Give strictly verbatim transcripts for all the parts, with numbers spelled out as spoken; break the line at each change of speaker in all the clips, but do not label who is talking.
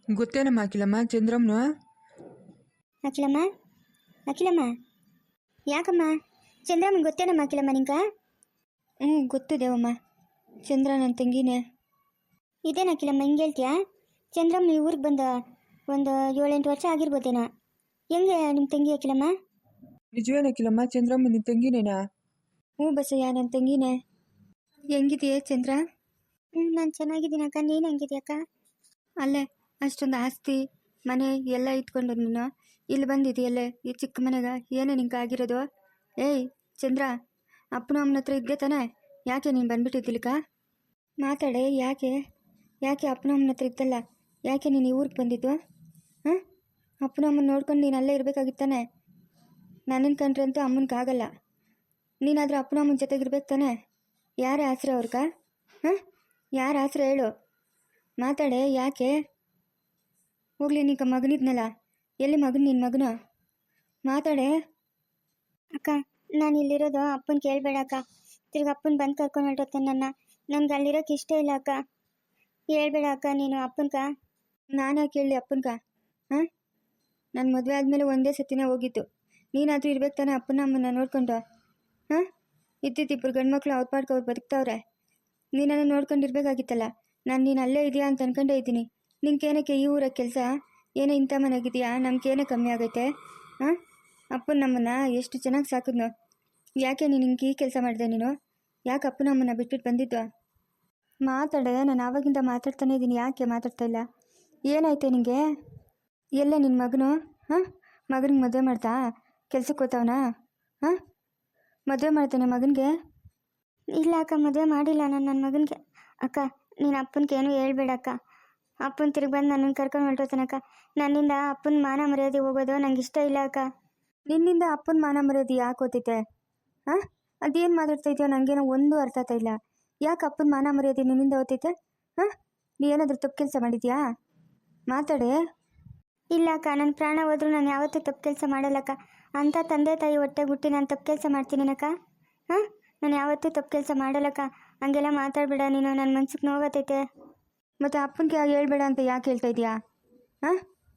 ಗೊತ್ತೇನಮ್ಮ ಅಖಿಲಮ್ಮ ಚಂದ್ರಮ್ಮನು?
ಅಖಿಲಮ್ಮ ಅಖಿಲಮ್ಮ ಯಾಕಮ್ಮ ಚಂದ್ರಮ್ಮನ ಗೊತ್ತೇನಮ್ಮ ಅಖಿಲಮ್ಮ ನಿಂಗೆ?
ಹ್ಞೂ ಗೊತ್ತು ದೇವಮ್ಮ, ಚಂದ್ರ ನನ್ನ ತಂಗಿನೇ.
ಇದೇನು ಅಖಿಲಮ್ಮ ಹಿಂಗೆ ಹೇಳ್ತೀಯಾ? ಚಂದ್ರಮ್ಮ ಈ ಊರಿಗೆ ಬಂದ ಒಂದು ಏಳೆಂಟು ವರ್ಷ ಆಗಿರ್ಬೋದೇನೋ. ಹೆಂಗೆ ನಿಮ್ಮ ತಂಗಿ ಅಖಿಲಮ್ಮ?
ನಿಜವೇನ ಅಖಿಲಮ್ಮ ಚಂದ್ರಮ್ಮ ನಿನ್ನ ತಂಗಿನೇನಾ?
ಹ್ಞೂ ಬಸಯ್ಯ ನನ್ನ ತಂಗಿನೇ. ಹೆಂಗಿದೆಯೇ ಚಂದ್ರ?
ಹ್ಞೂ ನಾನು ಚೆನ್ನಾಗಿದ್ದೀನಿ ಅಕ್ಕ, ನೀನು ಹೆಂಗಿದ್ಯಕ್ಕ?
ಅಲ್ಲೇ ಅಷ್ಟೊಂದು ಆಸ್ತಿ ಮನೆ ಎಲ್ಲ ಇಟ್ಕೊಂಡು ನೀನು ಇಲ್ಲಿ ಬಂದಿದೆಯಲ್ಲೇ ಈ ಚಿಕ್ಕ ಮನೆಗೆ, ಏನೇ ನಿಂಗೆ ಆಗಿರೋದು? ಏಯ್ ಚಂದ್ರ, ಅಪ್ಪನ ಅಮ್ಮನ ಹತ್ರ ಇದ್ದೆ ತಾನೆ, ಯಾಕೆ ನೀನು ಬಂದ್ಬಿಟ್ಟಿದ್ದಿಲ್ಕ? ಮಾತಾಡೆ, ಯಾಕೆ ಯಾಕೆ ಅಪ್ಪನ ಅಮ್ಮನ ಹತ್ರ ಇದ್ದಲ್ಲ, ಯಾಕೆ ನೀನು ಈ ಊರಿಗೆ ಬಂದಿದ್ದು? ಹಾಂ, ಅಪ್ಪನ ಅಮ್ಮನ ನೋಡ್ಕೊಂಡು ನೀನು ಅಲ್ಲೇ ಇರಬೇಕಾಗಿತ್ತಾನೆ. ನನ್ನನ್ನು ಕಂಡ್ರೆ ಅಂತೂ ಅಮ್ಮನಿಗಾಗಲ್ಲ, ನೀನಾದರೂ ಅಪ್ಪನ ಅಮ್ಮನ ಜೊತೆಗಿರ್ಬೇಕು ತಾನೆ. ಯಾರ ಆಸರೆ ಅವ್ರಗ? ಹಾಂ, ಯಾರ ಆಸರೆ ಹೇಳು? ಮಾತಾಡೆ, ಯಾಕೆ? ಹೋಗ್ಲಿ ನೀಗ ಮಗನಿದ್ನಲ್ಲ, ಎಲ್ಲಿ ಮಗನ ನಿನ್ನ ಮಗನು? ಮಾತಾಡೆ.
ಅಕ್ಕ ನಾನು ಇಲ್ಲಿರೋದು ಅಪ್ಪನ ಕೇಳಬೇಡ ಅಕ್ಕ, ತಿರ್ಗಿ ಅಪ್ಪನ ಬಂದು ಕರ್ಕೊಂಡು ಹೊರಟೋಗ್ತಾನೆ ನನ್ನ. ನನಗೆ ಅಲ್ಲಿರೋಕೆ ಇಷ್ಟ ಇಲ್ಲ ಅಕ್ಕ, ಹೇಳ್ಬೇಡ ಅಕ್ಕ ನೀನು ಅಪ್ಪನ್ಕ.
ನಾನು ಯಾಕೆ ಹೇಳಿ ಅಪ್ಪನ್ಕ? ಹಾಂ, ನನ್ನ ಮದುವೆ ಆದಮೇಲೆ ಒಂದೇ ಸತಿನೇ ಹೋಗಿತ್ತು. ನೀನಾದರೂ ಇರ್ಬೇಕು ತಾನೆ ಅಪ್ಪನ ಅಮ್ಮನ ನೋಡ್ಕೊಂಡು. ಹಾಂ, ಇದ್ದಿದ್ದಿಬ್ಬರು ಗಂಡು ಮಕ್ಕಳು ಅವ್ರ ಪಾಡ್ಗೆ ಅವ್ರು ಬದುಕ್ತಾವ್ರೆ, ನೀನನ್ನು ನೋಡ್ಕೊಂಡಿರ್ಬೇಕಾಗಿತ್ತಲ್ಲ. ನಾನು ನೀನು ಅಲ್ಲೇ ಇದೆಯಾ ಅಂತ ಅನ್ಕೊಂಡೇ ಇದ್ದೀನಿ. ನಿಂಗೇನಕ್ಕೆ ಈ ಊರಾಗ ಕೆಲಸ? ಏನೋ ಇಂಥ ಮನೆಗಿದೆಯಾ? ನಮ್ಗೇನೇ ಕಮ್ಮಿ ಆಗೈತೆ? ಹಾಂ, ಅಪ್ಪನ ನಮ್ಮನ್ನ ಎಷ್ಟು ಚೆನ್ನಾಗಿ ಸಾಕಿದ್ನು, ಯಾಕೆ ನೀನು ಹಿಂಗೆ ಈ ಕೆಲಸ ಮಾಡಿದೆ? ನೀನು ಯಾಕೆ ಅಪ್ಪನ ಅಮ್ಮನ ಬಿಟ್ಬಿಟ್ಟು ಬಂದಿದ್ದು? ಮಾತಾಡೆ, ನಾನು ಆವಾಗಿಂದ ಮಾತಾಡ್ತಾನೆ ಇದ್ದೀನಿ, ಯಾಕೆ ಮಾತಾಡ್ತಾ ಇಲ್ಲ? ಏನಾಯ್ತು ನಿನಗೆ? ಎಲ್ಲ ನಿನ್ನ ಮಗನು? ಹಾಂ, ಮಗನಿಗೆ ಮದುವೆ ಮಾಡ್ತಾ ಕೆಲ್ಸಕ್ಕೆ ಹೋಗ್ತಾವನಾ? ಹಾಂ, ಮದುವೆ ಮಾಡ್ತಾನೆ ಮಗನಿಗೆ?
ಇಲ್ಲ ಅಕ್ಕ, ಮದುವೆ ಮಾಡಿಲ್ಲ ನಾನು ನನ್ನ ಮಗನಿಗೆ. ಅಕ್ಕ ನೀನು ಅಪ್ಪನಿಗೆ ಏನೂ ಹೇಳ್ಬೇಡ ಅಕ್ಕ, ಅಪ್ಪನ ತಿರುಗಿ ಬಂದು ನನ್ನನ್ನು ಕರ್ಕೊಂಡು ಹೊರಟೋತಾನಕ್ಕ. ನನ್ನಿಂದ ಅಪ್ಪನ ಮಾನ ಮರ್ಯಾದೆ ಹೋಗೋದು ನಂಗೆ ಇಷ್ಟ ಇಲ್ಲ ಅಕ್ಕ.
ನಿನ್ನಿಂದ ಅಪ್ಪನ ಮಾನ ಮರ್ಯಾದೆ ಯಾಕೆ ಹೋಗ್ತೈತೆ? ಹಾಂ, ಅದೇನು ಮಾತಾಡ್ತಾ ಇದೆಯೋ ನನಗೇನೋ ಒಂದು ಅರ್ಥ ಆಗ್ತಾ ಇಲ್ಲ. ಯಾಕೆ ಅಪ್ಪನ ಮಾನ ಮರ್ಯಾದೆ ನಿನ್ನಿಂದ ಹೋಗ್ತೈತೆ? ಹಾಂ, ನೀ ಏನಾದರೂ ತಪ್ಪು ಕೆಲಸ ಮಾಡಿದ್ಯಾ? ಮಾತಾಡೆ.
ಇಲ್ಲ ಅಕ್ಕ, ನನ್ನ ಪ್ರಾಣ ಹೋದ್ರೂ ನಾನು ಯಾವತ್ತೂ ತಪ್ಪು ಕೆಲಸ ಮಾಡಲ್ಲಕ್ಕ. ಅಂಥ ತಂದೆ ತಾಯಿ ಹೊಟ್ಟೆ ಹುಟ್ಟಿ ನಾನು ತಪ್ಪು ಕೆಲಸ ಮಾಡ್ತೀನಿನಕ್ಕ? ಹಾಂ, ನಾನು ಯಾವತ್ತೂ ತಪ್ಪು ಕೆಲಸ ಮಾಡಲ್ಲಕ್ಕ. ಹಂಗೆಲ್ಲ ಮಾತಾಡಬೇಡ ನೀನು, ನನ್ನ ಮನ್ಸಿಗೆ ನೋವಾಗತೈತೆ.
ಮತ್ತು ಅಪ್ಪನಿಗೆ ಹೇಳ್ಬೇಡ ಅಂತ ಯಾಕೆ ಹೇಳ್ತಾ ಇದೆಯಾ? ಹಾಂ,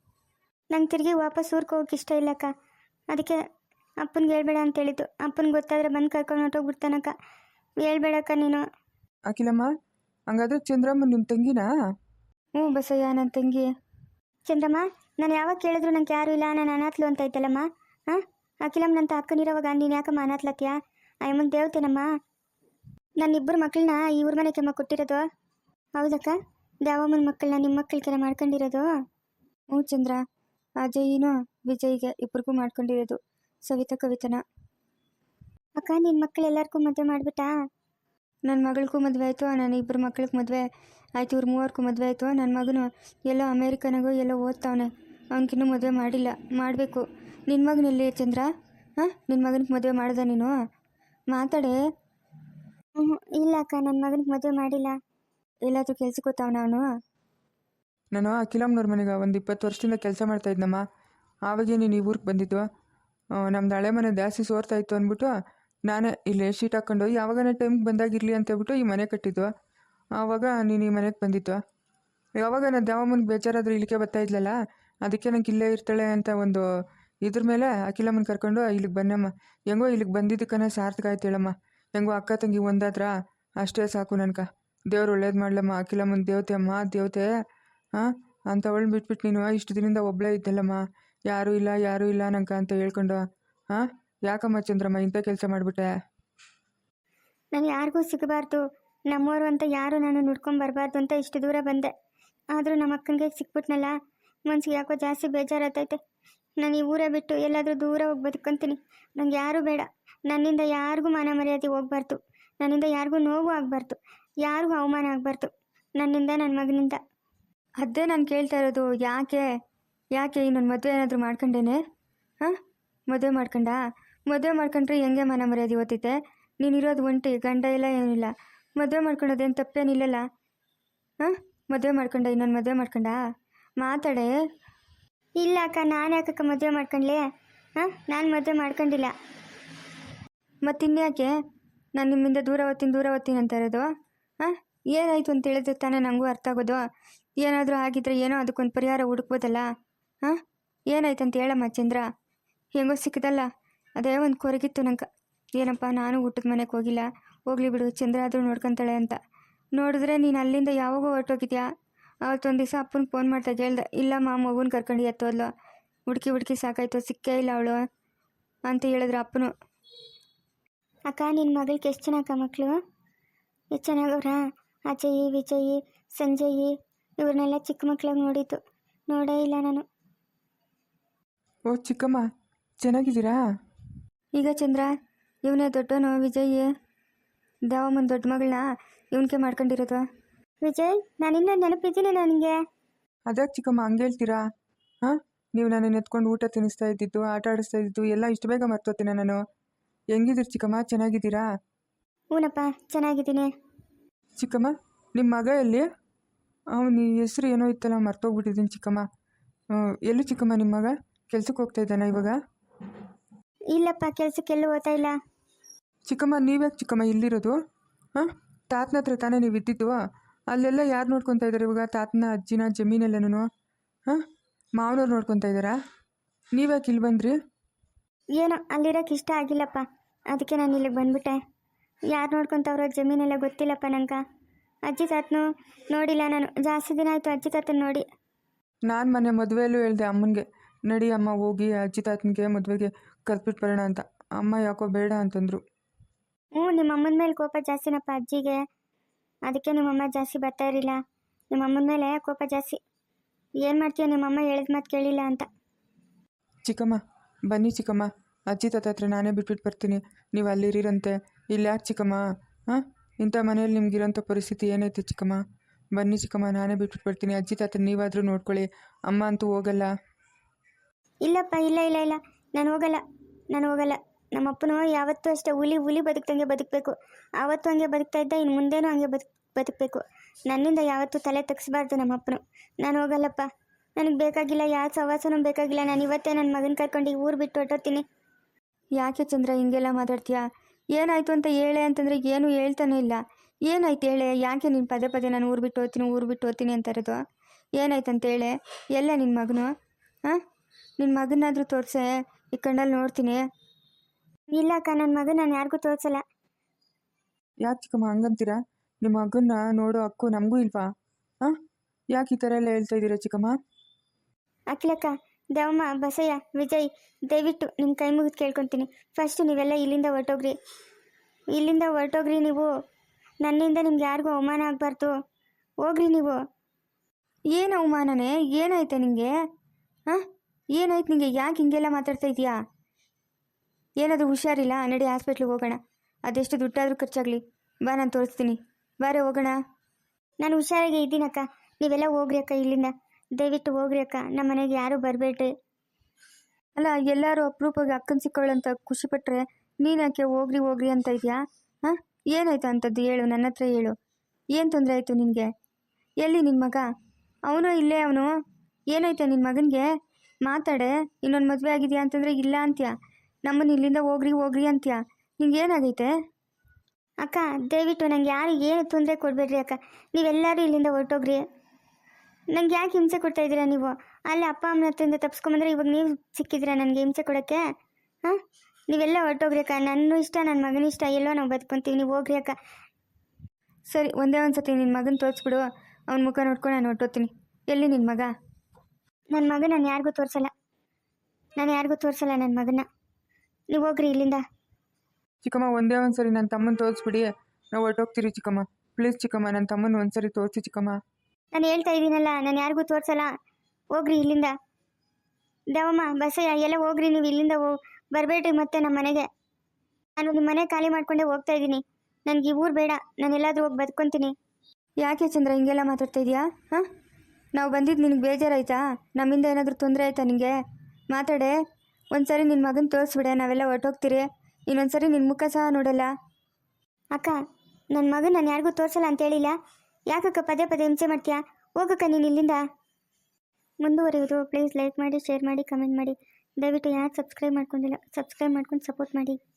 ನಂಗೆ ತಿರುಗಿ ವಾಪಸ್ ಊರಿಗೆ ಹೋಗಕ್ಕೆ ಇಷ್ಟ ಇಲ್ಲಕ್ಕ, ಅದಕ್ಕೆ ಅಪ್ಪನಿಗೆ ಹೇಳ್ಬೇಡ ಅಂತ ಹೇಳಿದ್ದು. ಅಪ್ಪನಿಗೆ ಗೊತ್ತಾದರೆ ಬಂದು ಕರ್ಕೊಂಡು ಹೊರಟೋಗ್ಬಿಡ್ತಾನಕ್ಕ, ಹೇಳ್ಬೇಡಕ್ಕ ನೀನು.
ಅಖಿಲಮ್ಮ ಹಂಗಾದ್ರೆ ಚಂದ್ರಮ್ಮ ನಿಮ್ಮ ತಂಗಿನಾ?
ಹ್ಞೂ ಬಸಯ್ಯ ನನ್ನ ತಂಗಿ.
ಚಂದ್ರಮ್ಮ, ನಾನು ಯಾವಾಗ ಕೇಳಿದ್ರು ನಂಗೆ ಯಾರೂ ಇಲ್ಲ, ನಾನು ಅನಾಥ್ಲು ಅಂತ ಐತಲ್ಲಮ್ಮ. ಹಾಂ, ಅಖಿಲಮ್ಮನಂತ ಅಕ್ಕನಿರೋವಾಗ ನೀನು ಯಾಕಮ್ಮ ಅನಾಥ್ಲತ್ತೀಯಾ? ಅಯ್ಯಮ್ಮನ ದೇವತೆನಮ್ಮ. ನನ್ನಿಬ್ಬರು ಮಕ್ಕಳನ್ನ ಈ ಊರ ಮನೆ ಕೆಮ್ಮ ಕೊಟ್ಟಿರೋದು. ಹೌದಕ್ಕ, ದ್ಯಾವಮ್ಮನ ಮಕ್ಕಳನ್ನ ನಿಮ್ಮ ಮಕ್ಕಳಿಗೆಲ್ಲ ಮಾಡ್ಕೊಂಡಿರೋದು.
ಹ್ಞೂ ಚಂದ್ರ, ಅಜಯ್ನೂ ವಿಜಯ್ಗೆ ಇಬ್ರಿಗೂ ಮಾಡ್ಕೊಂಡಿರೋದು ಸವಿತಾ ಕವಿತನ.
ಅಕ್ಕ ನಿನ್ನ ಮಕ್ಕಳು ಎಲ್ಲರಿಗೂ ಮದುವೆ ಮಾಡಿಬಿಟ್ಟಾ?
ನನ್ನ ಮಗಳಿಗೂ ಮದುವೆ ಆಯಿತು, ನನ್ನ ಇಬ್ಬರು ಮಕ್ಳಿಗೆ ಮದುವೆ ಆಯಿತು, ಇವ್ರು ಮೂವರ್ಗೂ ಮದುವೆ ಆಯಿತು. ನನ್ನ ಮಗನು ಎಲ್ಲೋ ಅಮೇರಿಕನಾಗೂ ಎಲ್ಲೋ ಓದ್ತಾವನೆ, ಅವ್ನಿಗಿನ್ನೂ ಮದುವೆ ಮಾಡಿಲ್ಲ, ಮಾಡಬೇಕು. ನಿನ್ನ ಮಗನಲ್ಲಿ ಚಂದ್ರ? ಹಾಂ, ನಿನ್ನ ಮಗನಿಗೆ ಮದುವೆ ಮಾಡ್ದೆ ನೀನು? ಮಾತಾಡೆ.
ಹ್ಞೂ ಇಲ್ಲ ಅಕ್ಕ, ನನ್ನ ಮಗನಿಗೆ ಮದುವೆ ಮಾಡಿಲ್ಲ.
ಎಲ್ಲಾದರೂ ಕೆಲ್ಸಕ್ಕೆ ಹೋಗ್ತಾವನ ಅವನು?
ನಾನು ಅಖಿಲಮ್ಮನವ್ರ ಮನೆಗೆ ಒಂದು ಇಪ್ಪತ್ತು ವರ್ಷದಿಂದ ಕೆಲಸ ಮಾಡ್ತಾ ಇದ್ನಮ್ಮ. ಆವಾಗೇ ನೀನು ಈ ಊರಿಗೆ ಬಂದಿದ್ದು. ನಮ್ದು ಹಳೆ ಮನೆ ಜಾಸ್ತಿ ಸೋರ್ತಾ ಇತ್ತು ಅಂದ್ಬಿಟ್ಟು ನಾನೇ ಇಲ್ಲಿ ಶೀಟ್ ಹಾಕ್ಕೊಂಡು ಯಾವಾಗನೇ ಟೈಮ್ಗೆ ಬಂದಾಗಿರಲಿ ಅಂತ ಹೇಳ್ಬಿಟ್ಟು ಈ ಮನೆ ಕಟ್ಟಿದ್ದು. ಆವಾಗ ನೀನು ಈ ಮನೆಗೆ ಬಂದಿತ್ತು. ಯಾವಾಗ ನಾನು ದ್ಯಾವಮ್ಮನಿಗೆ ಬೇಜಾರಾದರೂ ಇಲ್ಲಿಗೆ ಬರ್ತಾ ಇದ್ಲಲ್ಲ, ಅದಕ್ಕೆ ನಂಗೆ ಇಲ್ಲೇ ಇರ್ತಾಳೆ ಅಂತ ಒಂದು ಇದ್ರ ಮೇಲೆ ಅಖಿಲಮ್ಮನ ಕರ್ಕೊಂಡು ಇಲ್ಲಿಗೆ ಬನ್ನಮ್ಮ. ಹೆಂಗೋ ಇಲ್ಲಿಗೆ ಬಂದಿದ್ದಕ್ಕನೇ ಸಾರ್ಥಕ ಆಯ್ತು ಹೇಳಮ್ಮ. ಹೆಂಗೋ ಅಕ್ಕ ತಂಗಿ ಒಂದಾದ್ರ ಅಷ್ಟೇ ಸಾಕು ನನ್ಕ. ದೇವ್ರು ಒಳ್ಳೇದು ಮಾಡ್ಲಮ್ಮ. ಅಖಿಲಮ್ಮನ ದೇವತೆ ಅಮ್ಮ, ದೇವತೆ. ಹಾಂ, ಅಂಥವಳು ಬಿಟ್ಬಿಟ್ಟು ನೀನು ಇಷ್ಟು ದಿನದಿಂದ ಒಬ್ಬಳೇ ಇದ್ದಲ್ಲಮ್ಮ, ಯಾರೂ ಇಲ್ಲ ಯಾರೂ ಇಲ್ಲ ನಂಗೆ ಅಂತ ಹೇಳ್ಕೊಂಡು. ಹಾಂ, ಯಾಕಮ್ಮ ಚಂದ್ರಮ್ಮ ಇಂಥ ಕೆಲಸ ಮಾಡಿಬಿಟ್ಟೆ?
ನಾನು ಯಾರಿಗೂ ಸಿಗಬಾರ್ದು, ನಮ್ಮವರು ಅಂತ ಯಾರು ನಾನು ನೋಡ್ಕೊಂಬರ್ಬಾರ್ದು ಅಂತ ಇಷ್ಟು ದೂರ ಬಂದೆ. ಆದರೂ ನಮ್ಮ ಅಕ್ಕನಿಗೆ ಸಿಕ್ಬಿಟ್ನಲ್ಲ, ಮನ್ಸಿಗೆ ಯಾಕೋ ಜಾಸ್ತಿ ಬೇಜಾರಾಗ್ತೈತೆ. ನಾನು ಈ ಊರೇ ಬಿಟ್ಟು ಎಲ್ಲಾದರೂ ದೂರ ಹೋಗಿ ಬದುಕೊಂತೀನಿ. ನಂಗೆ ಯಾರೂ ಬೇಡ. ನನ್ನಿಂದ ಯಾರಿಗೂ ಮಾನ ಮರ್ಯಾದೆ ಹೋಗ್ಬಾರ್ದು, ನನ್ನಿಂದ ಯಾರಿಗೂ ನೋವು ಆಗಬಾರ್ದು, ಯಾರಿಗೂ ಅವಮಾನ ಆಗಬಾರ್ದು, ನನ್ನಿಂದ ನನ್ನ ಮಗನಿಂದ.
ಅದೇ ನಾನು ಕೇಳ್ತಾ ಇರೋದು, ಯಾಕೆ ಯಾಕೆ ಇನ್ನೊಂದು ಮದುವೆ ಏನಾದರೂ ಮಾಡ್ಕೊಂಡೇನೆ? ಹಾಂ, ಮದುವೆ ಮಾಡ್ಕೊಂಡ? ಮದುವೆ ಮಾಡ್ಕೊಂಡ್ರೆ ಹೆಂಗೆ ಮನ ಮರ್ಯಾದೆ ಓದ್ತೈತೆ? ನೀನಿರೋದು ಒಂಟಿ, ಗಂಡ ಇಲ್ಲ ಏನಿಲ್ಲ. ಮದುವೆ ಮಾಡ್ಕೊಳ್ಳೋದೇನು ತಪ್ಪೇನಿಲ್ಲಲ್ಲ. ಹಾಂ, ಮದುವೆ ಮಾಡ್ಕೊಂಡ? ಇನ್ನೊಂದು ಮದುವೆ ಮಾಡ್ಕೊಂಡ? ಮಾತಾಡೆ.
ಇಲ್ಲ ಅಕ್ಕ, ನಾನು ಯಾಕಕ್ಕ ಮದುವೆ ಮಾಡ್ಕೊಂಡ್ಲಿ? ಹಾಂ, ನಾನು ಮದುವೆ ಮಾಡ್ಕೊಂಡಿಲ್ಲ.
ಮತ್ತಿನ್ಯಾಕೆ ನಾನು ನಿಮ್ಮಿಂದ ದೂರ ಓದ್ತೀನಿ ದೂರ ಓದ್ತೀನಿ ಅಂತ ಇರೋದು? ಹಾಂ, ಏನಾಯಿತು ಅಂತ ಹೇಳಿದ್ರೆ ತಾನೇ ನನಗೂ ಅರ್ಥ ಆಗೋದು. ಏನಾದರೂ ಆಗಿದ್ರೆ ಏನೋ ಅದಕ್ಕೊಂದು ಪರಿಹಾರ ಹುಡುಕ್ಬೋದಲ್ಲ. ಹಾಂ, ಏನಾಯ್ತು ಅಂತ ಹೇಳಮ್ಮ ಚಂದ್ರ. ಹೆಂಗೋ ಸಿಕ್ಕದಲ್ಲ, ಅದೇ ಒಂದು ಕೊರಗಿತ್ತು ನಂಗೆ. ಏನಪ್ಪ, ನಾನು ಊಟದ ಮನೆಗೆ ಹೋಗಿಲ್ಲ, ಹೋಗ್ಲಿ ಬಿಡು, ಚಂದ್ರ ಆದರೂ ನೋಡ್ಕೊತಾಳೆ ಅಂತ. ನೋಡಿದ್ರೆ ನೀನು ಅಲ್ಲಿಂದ ಯಾವಾಗೋ ಹೊರಟೋಗಿದ್ಯಾ. ಅವತ್ತೊಂದು ದಿವಸ ಅಪ್ಪನ ಫೋನ್ ಮಾಡ್ತಾ ಹೇಳ್ದೆ, ಇಲ್ಲಮ್ಮ ಮಗುನ ಕರ್ಕೊಂಡು ಎತ್ತೋದ್ಲು, ಹುಡುಕಿ ಹುಡುಕಿ ಸಾಕಾಯ್ತು, ಸಿಕ್ಕೇ ಇಲ್ಲ ಅವಳು ಅಂತ ಹೇಳಿದ್ರು ಅಪ್ಪನು.
ಅಕ್ಕ, ನಿನ್ನ ಮಗಳಿಗೆ ಎಷ್ಟು ಚೆನ್ನಾಗ ಮಕ್ಕಳು, ಎಷ್ಟು ಚೆನ್ನಾಗವ್ರಾ? ಅಜಯ್, ವಿಜಯ್, ಸಂಜಯ್ ಇವ್ರನ್ನೆಲ್ಲ ಚಿಕ್ಕ ಮಕ್ಕಳಾಗಿ ನೋಡಿದ್ದು ನೋಡೇ ಇಲ್ಲ ನಾನು.
ಓ ಚಿಕ್ಕಮ್ಮ, ಚೆನ್ನಾಗಿದ್ದೀರಾ?
ಈಗ ಚಂದ್ರ ಇವನೇ ದೊಡ್ಡವನು ವಿಜಯ್, ದೇವಮ್ಮನ ದೊಡ್ಡ ಮಗಳನ್ನ ಇವನ್ಕೆ ಮಾಡ್ಕೊಂಡಿರೋದು.
ವಿಜಯ್, ನಾನಿನ್ನ ನೆನಪಿದ್ದೀನಿ ನನಗೆ.
ಅದ್ಯಾಕೆ ಚಿಕ್ಕಮ್ಮ ಹಂಗೆ ಹೇಳ್ತೀರಾ? ಹಾಂ, ನೀವು ನನ್ನನ್ನು ಎತ್ಕೊಂಡು ಊಟ ತಿನ್ನಿಸ್ತಾ ಇದ್ದಿದ್ದು, ಆಟ ಆಡಿಸ್ತಾ ಇದ್ದಿದ್ದು ಎಲ್ಲ ಇಷ್ಟು ಬೇಗ ಮರ್ತೋತೀನ ನಾನು? ಹೆಂಗಿದ್ದೀರಿ ಚಿಕ್ಕಮ್ಮ, ಚೆನ್ನಾಗಿದ್ದೀರಾ?
ಹೂನಪ್ಪ, ಚೆನ್ನಾಗಿದ್ದೀನಿ.
ಚಿಕ್ಕಮ್ಮ, ನಿಮ್ಮ ಮಗ ಎಲ್ಲಿ? ಅವನ ಹೆಸ್ರು ಏನೋ ಇತ್ತಲ್ಲ, ಮರ್ತೋಗ್ಬಿಟ್ಟಿದ್ದೀನಿ ಚಿಕ್ಕಮ್ಮ. ಎಲ್ಲಿ ಚಿಕ್ಕಮ್ಮ ನಿಮ್ಮ ಮಗ? ಕೆಲ್ಸಕ್ಕೆ ಹೋಗ್ತಾ ಇದ್ದಾನ ಇವಾಗ?
ಇಲ್ಲಪ್ಪ, ಕೆಲ್ಸಕ್ಕೆಲ್ಲೂ ಹೋಗ್ತಾ ಇಲ್ಲ.
ಚಿಕ್ಕಮ್ಮ, ನೀವ್ಯಾಕೆ ಚಿಕ್ಕಮ್ಮ ಇಲ್ಲಿರೋದು? ಹಾಂ, ತಾತನ ಹತ್ರ ತಾನೇ ನೀವು ಇದ್ದಿದ್ದು? ಅಲ್ಲೆಲ್ಲ ಯಾರು ನೋಡ್ಕೊತಾ ಇದ್ದಾರೆ ಇವಾಗ? ತಾತನ ಅಜ್ಜಿನ ಜಮೀನೆಲ್ಲನೂ? ಹಾಂ, ಮಾವನವ್ರು ನೋಡ್ಕೊತಾ ಇದ್ದಾರಾ? ನೀವ್ಯಾಕೆ ಇಲ್ಲಿ ಬಂದ್ರಿ?
ಏನೋ ಅಲ್ಲಿರೋಕೆ ಇಷ್ಟ ಆಗಿಲ್ಲಪ್ಪ, ಅದಕ್ಕೆ ನಾನು ಇಲ್ಲಿಗೆ ಬಂದ್ಬಿಟ್ಟೆ. ಯಾರು ನೋಡ್ಕೊತವ್ರೋ ಜಮೀನೆಲ್ಲ ಗೊತ್ತಿಲ್ಲಪ್ಪ ನಂಗೆ. ಅಜ್ಜಿ ತಾತನು ನೋಡಿಲ್ಲ ನಾನು, ಜಾಸ್ತಿ ದಿನ ಆಯಿತು ಅಜ್ಜಿ ತಾತನ ನೋಡಿ.
ನಾನು ಮೊನ್ನೆ ಮದುವೆಯಲ್ಲೂ ಹೇಳಿದೆ ಅಮ್ಮನಿಗೆ, ನಡಿ ಅಮ್ಮ ಹೋಗಿ ಅಜ್ಜಿ ತಾತನಿಗೆ ಮದುವೆಗೆ ಕರ್ಬಿಟ್ಟು ಬರೋಣ ಅಂತ. ಅಮ್ಮ ಯಾಕೋ ಬೇಡ ಅಂತಂದರು.
ಹ್ಞೂ, ನಿಮ್ಮ ಅಮ್ಮನ ಮೇಲೆ ಕೋಪ ಜಾಸ್ತಿನಪ್ಪ ಅಜ್ಜಿಗೆ, ಅದಕ್ಕೆ ನಿಮ್ಮಮ್ಮ ಜಾಸ್ತಿ ಬರ್ತಾ ಇರಲಿಲ್ಲ. ನಿಮ್ಮಮ್ಮನ ಮೇಲೆ ಕೋಪ ಜಾಸ್ತಿ. ಏನು ಮಾಡ್ತೀಯ, ನಿಮ್ಮಮ್ಮ ಹೇಳಿದ ಮಾತು ಕೇಳಿಲ್ಲ ಅಂತ.
ಚಿಕ್ಕಮ್ಮ ಬನ್ನಿ ಚಿಕ್ಕಮ್ಮ, ಅಜ್ಜಿ ತಾತ ಹತ್ರ ನಾನೇ ಬಿಟ್ಬಿಟ್ಟು ಬರ್ತೀನಿ, ನೀವು ಅಲ್ಲಿರಂತೆ. ಇಲ್ಲಿ ಯಾಕೆ ಚಿಕ್ಕಮ್ಮ? ಹಾಂ, ಇಂಥ ಮನೇಲಿ ನಿಮ್ಗಿರೋಂಥ ಪರಿಸ್ಥಿತಿ ಏನೈತೆ ಚಿಕ್ಕಮ್ಮ? ಬನ್ನಿ ಚಿಕ್ಕಮ್ಮ, ನಾನೇ ಬಿಟ್ಬಿಟ್ಟು ಬರ್ತೀನಿ. ಅಜ್ಜಿ ತಾತ ನೀವಾದರೂ ನೋಡ್ಕೊಳ್ಳಿ, ಅಮ್ಮ ಅಂತೂ ಹೋಗಲ್ಲ.
ಇಲ್ಲಪ್ಪ, ಇಲ್ಲ ಇಲ್ಲ ಇಲ್ಲ ನಾನು ಹೋಗಲ್ಲ, ನಾನು ಹೋಗಲ್ಲ. ನಮ್ಮಪ್ಪನು ಯಾವತ್ತೂ ಅಷ್ಟೇ ಹುಲಿ ಹುಲಿ ಬದುಕ್ದಂಗೆ ಬದುಕಬೇಕು. ಆವತ್ತು ಹಂಗೆ ಬದುಕ್ತಾ ಇದ್ದ, ಇನ್ನು ಮುಂದೇನೂ ಹಂಗೆ ಬದುಕ್ ಬದುಕಬೇಕು. ನನ್ನಿಂದ ಯಾವತ್ತೂ ತಲೆ ತಗ್ಸ್ಬಾರ್ದು ನಮ್ಮಪ್ಪನು. ನಾನು ಹೋಗಲ್ಲಪ್ಪ, ನನಗೆ ಬೇಕಾಗಿಲ್ಲ, ಯಾವ ಸವಾಸನೂ ಬೇಕಾಗಿಲ್ಲ. ನಾನು ಇವತ್ತೇ ನನ್ನ ಮಗನ ಕರ್ಕೊಂಡು ಊರು ಬಿಟ್ಟು ಹೊರಟೋಗ್ತೀನಿ.
ಯಾಕೆ ಚಂದ್ರ ಹಿಂಗೆಲ್ಲ ಮಾತಾಡ್ತೀಯಾ? ಏನಾಯಿತು ಅಂತ ಹೇಳೆ ಅಂತಂದರೆ ಏನೂ ಹೇಳ್ತಾನೆ ಇಲ್ಲ. ಏನಾಯ್ತು ಹೇಳೆ? ಯಾಕೆ ನೀನು ಪದೇ ಪದೇ ನಾನು ಊರು ಬಿಟ್ಟು ಹೋಗ್ತೀನಿ ಊರು ಬಿಟ್ಟು ಹೋಗ್ತೀನಿ ಅಂತ ಇರೋದು? ಏನಾಯ್ತು ಅಂತ ಹೇಳೆ? ಎಲ್ಲ ನಿನ್ನ ಮಗನು? ಹಾಂ, ನಿನ್ನ ಮಗನಾದರೂ ತೋರಿಸೆ, ಈ ಕಣ್ಣಲ್ಲಿ ನೋಡ್ತೀನಿ.
ಇಲ್ಲ ಅಕ್ಕ, ನನ್ನ ಮಗ ನಾನು ಯಾರಿಗೂ ತೋರಿಸಲ್ಲ.
ಯಾಕೆ ಚಿಕ್ಕಮ್ಮ ಹಂಗಂತೀರಾ? ನಿಮ್ಮ ಮಗನ್ನ ನೋಡೋ ಹಕ್ಕು ನಮಗೂ ಇಲ್ವಾ? ಹಾಂ, ಯಾಕೆ ಈ ಥರ ಎಲ್ಲ ಹೇಳ್ತಾ ಇದ್ದೀರಾ ಚಿಕ್ಕಮ್ಮ?
ಅಖಿಲಕ್ಕ, ದೇವಮ್ಮ, ಬಸಯ್ಯ, ವಿಜಯ್, ದಯವಿಟ್ಟು ನಿಮ್ಮ ಕೈ ಮುಗಿದು ಕೇಳ್ಕೊತೀನಿ. ಫಸ್ಟು ನೀವೆಲ್ಲ ಇಲ್ಲಿಂದ ಹೊರಟೋಗ್ರಿ, ಇಲ್ಲಿಂದ ಹೊರಟೋಗ್ರಿ ನೀವು. ನನ್ನಿಂದ ನಿಮ್ಗೆ ಯಾರಿಗೂ ಅವಮಾನ ಆಗಬಾರ್ದು. ಹೋಗ್ರಿ ನೀವು.
ಏನು ಅವಮಾನನೇ? ಏನಾಯ್ತು ನಿನಗೆ? ಹಾಂ, ಏನಾಯ್ತು ನಿನಗೆ? ಯಾಕೆ ಹಿಂಗೆಲ್ಲ ಮಾತಾಡ್ತಾ ಇದೀಯಾ? ಏನಾದರೂ ಹುಷಾರಿಲ್ಲ? ನಡಿ ಹಾಸ್ಪಿಟ್ಲಿಗೆ ಹೋಗೋಣ. ಅದೆಷ್ಟು ದುಡ್ಡಾದರೂ ಖರ್ಚಾಗಲಿ, ಬಾ ನಾನು ತೋರಿಸ್ತೀನಿ. ಬಾರೆ ಹೋಗೋಣ.
ನಾನು ಹುಷಾರಾಗಿ ಇದ್ದೀನಕ್ಕ, ನೀವೆಲ್ಲ ಹೋಗ್ರಿ ಅಕ್ಕ ಇಲ್ಲಿಂದ. ದಯವಿಟ್ಟು ಹೋಗ್ರಿ ಅಕ್ಕ, ನಮ್ಮ ಮನೆಗೆ ಯಾರೂ ಬರಬೇಡ್ರಿ.
ಅಲ್ಲ, ಎಲ್ಲರೂ ಅಪರೂಪವಾಗಿ ಅಕ್ಕನ ಸಿಕ್ಕೊಳ್ಳೋಂತ ಖುಷಿಪಟ್ಟರೆ ನೀನು ಯಾಕೆ ಹೋಗ್ರಿ ಹೋಗ್ರಿ ಅಂತ ಇದೆಯಾ? ಹಾಂ, ಏನಾಯ್ತು ಅಂಥದ್ದು ಹೇಳು, ನನ್ನ ಹತ್ರ ಹೇಳು. ಏನು ತೊಂದರೆ ಆಯಿತು ನಿನಗೆ? ಎಲ್ಲಿ ನಿನ್ನ ಮಗ? ಅವನು ಇಲ್ಲೇ ಅವನು. ಏನಾಯ್ತು ನಿನ್ನ ಮಗನಿಗೆ? ಮಾತಾಡೆ. ಇನ್ನೊಂದು ಮದುವೆ ಆಗಿದೆಯಾ ಅಂತಂದರೆ ಇಲ್ಲ ಅಂತ್ಯ, ನಮ್ಮನ್ನು ಇಲ್ಲಿಂದ ಹೋಗ್ರಿ ಹೋಗ್ರಿ ಅಂತ್ಯ. ನಿಂಗೆ ಏನಾಗೈತೆ?
ಅಕ್ಕ, ದಯವಿಟ್ಟು ನಂಗೆ ಯಾರು ಏನು ತೊಂದರೆ ಕೊಡಬೇಡ್ರಿ ಅಕ್ಕ. ನೀವೆಲ್ಲರೂ ಇಲ್ಲಿಂದ ಹೊರಟೋಗ್ರಿ. ನಂಗೆ ಯಾಕೆ ಹಿಂಸೆ ಕೊಡ್ತಾ ಇದ್ದೀರಾ ನೀವು? ಅಲ್ಲಿ ಅಪ್ಪ ಅಮ್ಮನ ಹತ್ರದಿಂದ ತಪ್ಸ್ಕೊಂಬಂದ್ರೆ ಇವಾಗ ನೀವು ಸಿಕ್ಕಿದ್ದೀರಾ ನನಗೆ ಹಿಂಸೆ ಕೊಡೋಕ್ಕೆ? ಹಾಂ, ನೀವೆಲ್ಲ ಹೊರಟೋಗ್ರಿ ಅಕ್ಕ. ನನ್ನ ಇಷ್ಟ, ನನ್ನ ಮಗನ ಇಷ್ಟ, ಎಲ್ಲೋ ನಾವು ಬದುಕೊಂತೀವಿ. ನೀವು ಹೋಗ್ರಿ ಅಕ್ಕ.
ಸರಿ, ಒಂದೇ ಒಂದು ಸತಿ ನಿನ್ನ ಮಗನ ತೋರಿಸ್ಬಿಡು, ಅವ್ನ ಮುಖ ನೋಡ್ಕೊಂಡು ನಾನು ಹೊರಟೋಗ್ತೀನಿ. ಎಲ್ಲಿ ನಿನ್ನ ಮಗ?
ನನ್ನ ಮಗ ನಾನು ಯಾರಿಗೂ ತೋರಿಸಲ್ಲ, ನಾನು ಯಾರಿಗೂ ತೋರಿಸಲ್ಲ ನನ್ನ ಮಗನ. ನೀವು ಹೋಗ್ರಿ ಇಲ್ಲಿಂದ.
ಚಿಕ್ಕಮ್ಮ ಒಂದೇ ಒಂದು ಸರಿ ನನ್ನ ತಮ್ಮನ ತೋರಿಸ್ಬಿಡಿ, ನಾವು ಹೊರಟೋಗ್ತೀರಿ ಚಿಕ್ಕಮ್ಮ. ಪ್ಲೀಸ್ ಚಿಕ್ಕಮ್ಮ, ನನ್ನ ತಮ್ಮನ ಒಂದು ಸರಿ ತೋರಿಸಿ ಚಿಕ್ಕಮ್ಮ.
ನಾನು ಹೇಳ್ತಾ ಇದ್ದೀನಲ್ಲ, ನಾನು ಯಾರಿಗೂ ತೋರಿಸಲ್ಲ. ಹೋಗ್ರಿ ಇಲ್ಲಿಂದ. ದೇವಮ್ಮ, ಬಸಯ್ಯ, ಎಲ್ಲ ಹೋಗ್ರಿ ನೀವು ಇಲ್ಲಿಂದ. ಹೋ ಬರಬೇಡ್ರಿ ಮತ್ತೆ ನಮ್ಮ ಮನೆಗೆ. ನಾನು ನಿಮ್ಮ ಮನೆ ಖಾಲಿ ಮಾಡ್ಕೊಂಡೇ ಹೋಗ್ತಾ ಇದ್ದೀನಿ. ನನಗೆ ಈ ಊರು ಬೇಡ, ನಾನು ಎಲ್ಲಾದರೂ ಹೋಗಿ ಬದುಕೊಂತೀನಿ.
ಯಾಕೆ ಚಂದ್ರ ಹಿಂಗೆಲ್ಲ ಮಾತಾಡ್ತಾ ಇದೆಯಾ? ಹಾಂ, ನಾವು ಬಂದಿದ್ದು ನಿನಗೆ ಬೇಜಾರಾಯ್ತಾ? ನಮ್ಮಿಂದ ಏನಾದರೂ ತೊಂದರೆ ಆಯ್ತಾ ನಿನಗೆ? ಮಾತಾಡೆ. ಒಂದು ಸರಿ ನಿನ್ನ ಮಗನ ತೋರಿಸ್ಬಿಡೆ, ನಾವೆಲ್ಲ ಹೊರಟೋಗ್ತೀರಿ. ಇನ್ನೊಂದು ಸರಿ ನಿನ್ನ ಮುಖ ಸಹ ನೋಡಲ್ಲ.
ಅಕ್ಕ, ನನ್ನ ಮಗನ ನಾನು ಯಾರಿಗೂ ತೋರಿಸಲ್ಲ ಅಂತ ಹೇಳಿಲ್ಲ. ಯಾಕಕ್ಕ ಪದೇ ಪದೇ ಹಿಂಸೆ ಮಾಡ್ತೀಯಾ? ಹೋಗಕ್ಕ ನೀನು ಇಲ್ಲಿಂದ. ಮುಂದುವರಿಯೋದು ಪ್ಲೀಸ್ ಲೈಕ್ ಮಾಡಿ, ಶೇರ್ ಮಾಡಿ, ಕಮೆಂಟ್ ಮಾಡಿ. ದಯವಿಟ್ಟು ಯಾರು ಸಬ್ಸ್ಕ್ರೈಬ್ ಮಾಡ್ಕೊಂಡಿಲ್ಲ ಸಬ್ಸ್ಕ್ರೈಬ್ ಮಾಡ್ಕೊಂಡು ಸಪೋರ್ಟ್ ಮಾಡಿ.